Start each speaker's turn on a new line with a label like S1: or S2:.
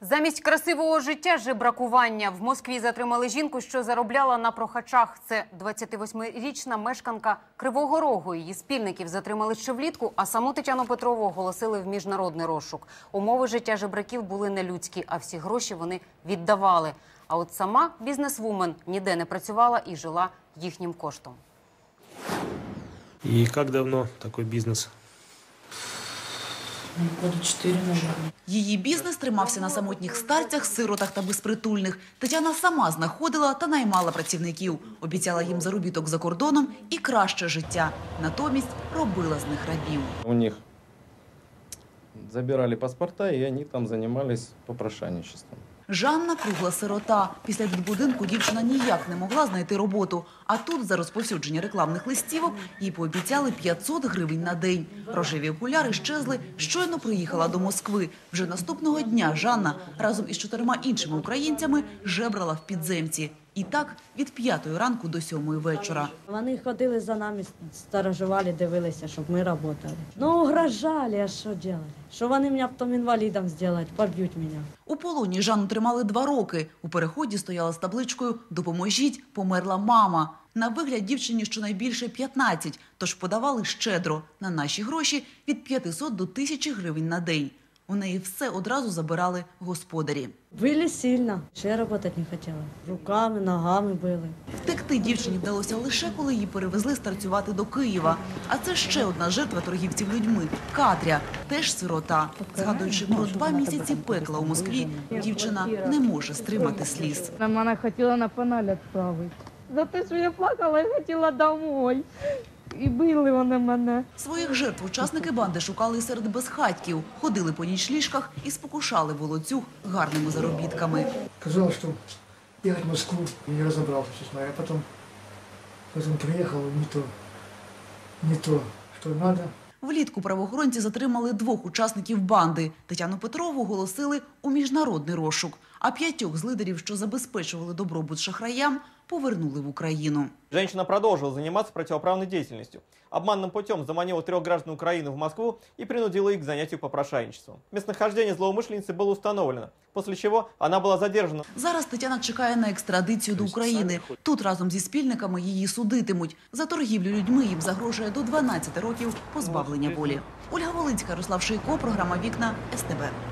S1: Замість красивого життя – жебракування. В Москві затримали жінку, що заробляла на прохачах. Це 28-річна мешканка Кривого Рогу. Її спільників затримали ще влітку, а саму Тетяну Петрову оголосили в міжнародний розшук. Умови життя жебраків були нелюдські, а всі гроші вони віддавали. А от сама бізнесвумен ніде не працювала і жила їхнім коштом.
S2: І як давно такий бізнес?
S3: Года 4, наверное.
S4: Її бізнес тримався на самотніх старцях, сиротах та безпритульних. Тетяна сама знаходила та наймала працівників. Обіцяла їм заробіток за кордоном і краще життя. Натомість робила з них рабів.
S5: У них забирали паспорта, і вони там займалися попрошайничеством.
S4: Жанна – кругла сирота. Після дитбудинку дівчина ніяк не могла знайти роботу. А тут за розповсюдження рекламних листівок їй пообіцяли 500 гривень на день. Рожеві окуляри щезли, щойно приїхала до Москви. Вже наступного дня Жанна разом із 4 іншими українцями жебрала в підземці. І так від 5 ранку до 7 вечора.
S3: Вони ходили за нами, сторожували, дивилися, щоб ми працювали. Ну, угрожали, а що робити? Що вони мене потім інвалідом зроблять, поб'ють мене.
S4: У полоні Жанну тримали 2 роки. У переході стояла з табличкою «Допоможіть, померла мама». На вигляд дівчині щонайбільше 15, тож подавали щедро. На наші гроші від 500 до 1000 гривень на день. У неї все одразу забирали господарі.
S3: Били сильно. Ще працювати не хотіла. Руками, ногами били.
S4: Втекти дівчині вдалося лише, коли її перевезли старцювати до Києва. А це ще одна жертва торгівців людьми – Катря, теж сирота. Згадуючи про 2 місяці пекла у Москві, дівчина не може стримати сліз.
S6: Вона хотіла на паналь відправити. За те, що я плакала, я хотіла домой. І били вони мене.
S4: Своїх жертв учасники банди шукали серед безхатьків, ходили по нічліжках і спокушали волоцюг гарними заробітками.
S7: Казалось, что ехать в Москву, и не разобрался, честно. Я потом приехал, не то, что надо.
S4: Влітку правоохоронці затримали 2 учасників банди. Тетяну Петрову оголосили у міжнародний розшук, а 5 з лидерів, що забезпечували добробут шахраям, повернули в Україну.
S8: Женщина продолжила заниматься противоправной деятельностью. Обманным путем заманила 3 граждан Украины в Москву и принудила их к занятию попрошайничеством. Местонахождение злоумышленницы было установлено, после чего она была задержана.
S4: Зараз Тетяна чекає на екстрадицію до України. Тут разом зі спільниками її судитимуть. За торгівлю людьми їм загрожує до 12 років позбавлення волі. Ольга Волинська, Ярослав Шийко, програма «Вікна», СТБ.